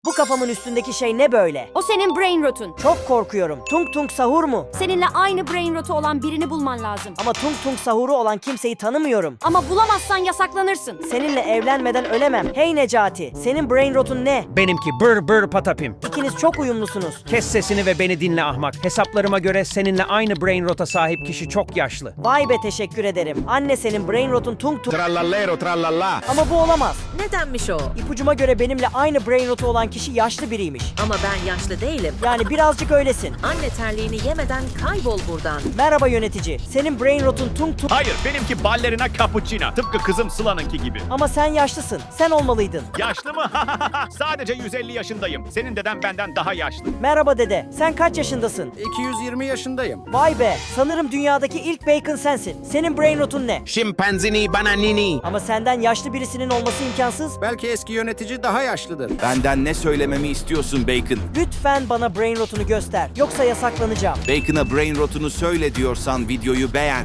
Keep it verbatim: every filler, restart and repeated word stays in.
Bu kafamın üstündeki şey ne böyle? O senin brain rotun. Çok korkuyorum. Tung Tung Sahur mu? Seninle aynı brain rotu olan birini bulman lazım. Ama Tung Tung Sahur'u olan kimseyi tanımıyorum. Ama bulamazsan yasaklanırsın. Seninle evlenmeden ölemem. Hey Necati, senin brain rotun ne? Benimki bır bır patapim. İkiniz çok uyumlusunuz. Kes sesini ve beni dinle ahmak. Hesaplarıma göre seninle aynı brain rota sahip kişi çok yaşlı. Vay be, teşekkür ederim. Anne, senin brain rotun Tung Tung. Trallallero trallallà. Ama bu olamaz. Nedenmiş o? İpucuma göre benimle aynı brain rotu olan kişi yaşlı biriymiş. Ama ben yaşlı değilim. Yani birazcık öylesin. Anne terliğini yemeden kaybol buradan. Merhaba yönetici. Senin brain rotun Tung Tung. Hayır, benimki ballerina cappuccino. Tıpkı kızım Sıla'nınki gibi. Ama sen yaşlısın. Sen olmalıydın. Yaşlı mı? Sadece yüz elli yaşındayım. Senin deden benden daha yaşlı. Merhaba dede. Sen kaç yaşındasın? iki yüz yirmi yaşındayım. Vay be. Sanırım dünyadaki ilk bacon sensin. Senin brain rotun ne? Şimpanzini bananini. Ama senden yaşlı birisinin olması imkansız. Belki eski yönetici daha yaşlıdır. Benden ne söylememi istiyorsun Bacon? Lütfen bana brain rotunu göster. Yoksa yasaklanacağım. Bacon'a brain rotunu söyle diyorsan videoyu beğen.